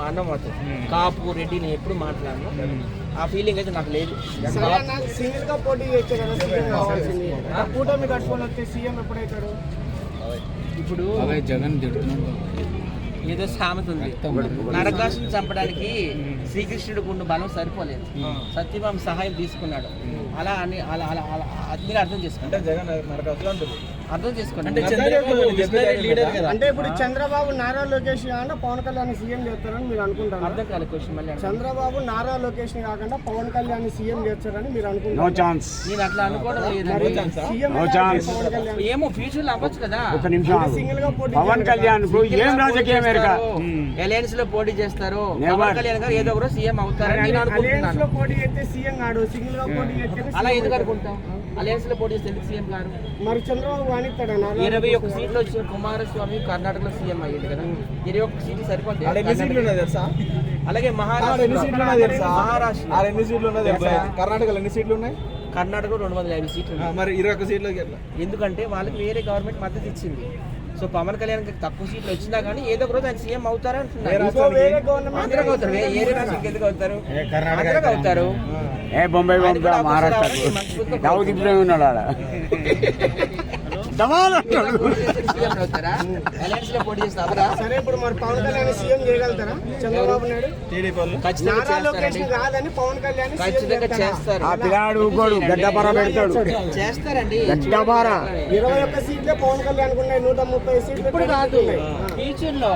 మా అన్న మాతో కాపు రెడ్డి నేను ఎప్పుడు మాట్లాడను, ఆ ఫీలింగ్ అయితే నాకు లేదు. సింగిల్ గా పోటీ చేస్తారు, కూటమి కట్టుకొని వస్తే సీఎం ఎప్పుడైతాడు? ఇప్పుడు జగన్ ఏదో సామెత ఉంది, నరకాసుని చంపడానికి శ్రీకృష్ణుడు గుండు బలం సరిపోలేదు, సత్యభామ సహాయం తీసుకున్నాడు. అలా అని అలా అలా అలా అది మీరు అర్థం చేసుకోండి, అర్థం చేసుకోండి. అంటే ఇప్పుడు చంద్రబాబు నారా లోకేష్ కాకుండా పవన్ కళ్యాణ్ సీఎం చేస్తారని మీరు అనుకుంటారు? అర్థం కాలేదు క్వశ్చన్ మళ్ళీ. చంద్రబాబు నారా లోకేష్ కాకుండా పవన్ కళ్యాణ్ సీఎం చేస్తారని మీరు అనుకుంటారు? నేను అట్లా అనుకోవడం లేదు. ఏమో ఫ్యూచర్ లో అవ్వచ్చు కదా. సింగిల్ గా పోటీ పవన్ కళ్యాణ్ ఏం రాజకీయం అలయన్స్ లో పోటీ చేస్తారు, పవన్ కళ్యాణ్ గారు ఏదో ఒకరు సీఎం అవుతారని నేను అనుకుంటున్నాను. పోటీ చేస్తే సీఎం కాడు, సింగిల్ గా పోటీ చేస్తే అలా ఎందుకు అనుకుంటాం? అలయన్స్ లో పోటీ చేస్తే ఎందుకు సీఎం గారు? మరి చంద్రబాబు వాణిస్తాడు 21 సీట్లు వచ్చిన కుమారస్వామి కర్ణాటకలో సీఎం అయ్యాడు కదా, 21 సీట్లు సరిపోతాయి. అలాగే మహారాష్ట్ర కర్ణాటకలో ఎన్ని సీట్లు ఉన్నాయి? కర్ణాటకలో 250 సీట్లు ఉన్నాయి. మరి 21 సీట్లు ఎందుకంటే వాళ్ళకి వేరే గవర్నమెంట్ మద్దతు ఇచ్చింది. సో పవన్ కళ్యాణ్ తక్కువ సీట్లు వచ్చినా కానీ ఏదో ఒక రోజు ఆయన సీఎం అవుతారు అంటున్నారు. ఆంధ్రాకి అవుతారు, వేరే రాష్ట్రానికి ఎందుకు అవుతారు? ఆంధ్రాకి అవుతారు. బొంబాయి మహారాష్ట్ర ఉన్నాడు సరే, ఇప్పుడు మరి పవన్ కళ్యాణ్ సీఎం చేయగలుగుతారా? చంద్రబాబు నాయుడు కాదని పవన్ కళ్యాణ్ ఖచ్చితంగా చేస్తారు. చేస్తారండి. 21 సీట్లే పవన్ కళ్యాణ్ ఉన్నాయి, 130 సీట్లు ఇప్పుడు కాదు, ఫ్యూచర్ లో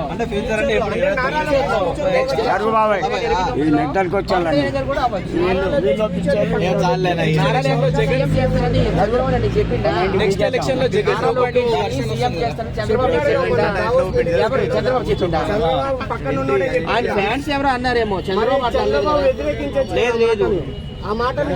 మెంటల్కి వచ్చాను. నెక్స్ట్ ఎలక్షన్ లో ఆయన ఫ్యాన్స్ ఎవరో అన్నారేమో, చంద్రబాబు లేదు లేదు, ఆ మాటను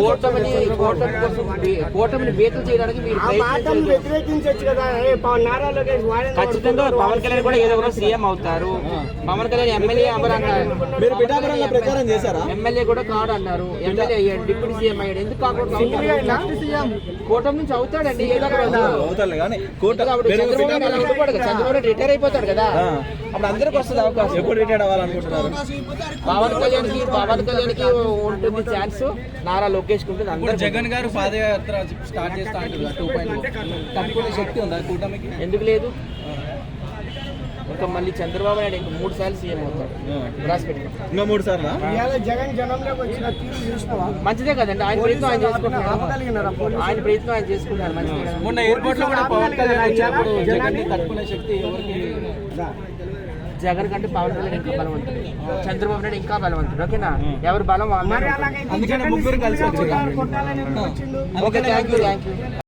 కూటమిని బేతులు చేయడానికి మీరు వ్యతిరేకించవచ్చు కదా. నారా లోకేష్ ఖచ్చితంగా పవన్ కళ్యాణ్ కూడా ఏదో ఒకరు సీఎం అవుతారు. పవన్ కళ్యాణ్ ఎమ్మెల్యే ప్రచారం చేశారా? ఎమ్మెల్యే కూడా కాడు అన్నారు, ఎమ్మెల్యే అయ్యాడు, డిప్యూటీ సీఎం అయ్యాడు. ఎందుకు కాకూడదు? కూటమి నుంచి అవుతాడండి, ఏదో చంద్రబాబు రిటైర్ అయిపోతాడు కదా, అప్పుడు అందరికి వస్తుంది అవకాశం. ఎప్పుడు రిటైర్ అవ్వాలనుకుంటున్నారు? పవన్ కళ్యాణ్ కి ఉంటుంది ఛాన్స్, నారా లోకేష్ ఉంటుంది. అందరూ జగన్ గారు పాదయాత్ర స్టార్ట్ చేస్తా అంటున్నారు 2.0 తట్టుకునే శక్తి ఉందా కూటమికి? ఎందుకు లేదు? ఇంకా మళ్ళీ చంద్రబాబు నాయుడు ఇంకా 3 సార్లు సీఎం అవుతాడు. ఇంకా 3 సార్లు జగన్ జనంలోకి వచ్చిన తీరు చూసినావా? మంచిదే కదండి, ఆయన ప్రయత్నం ఆయన చేసుకుంటున్నారు, ఆయన ప్రయత్నం ఆయన చేసుకుంటున్నారు. మంచిదే. మొన్న ఎయిర్పోర్ట్ లో కూడా పవన్ కళ్యాణ్ వచ్చినప్పుడు జగన్ ని తట్టుకునే శక్తి ఎవరికి? జగన్ కంటే పవన్ కళ్యాణ్ ఇంకా బలవంతుడు, చంద్రబాబు నాయుడు ఇంకా బలవంతుడు. ఓకేనా, ఎవరు బలం అందుకని ముగ్గురు కలిసి వచ్చారు. Okay, thank you.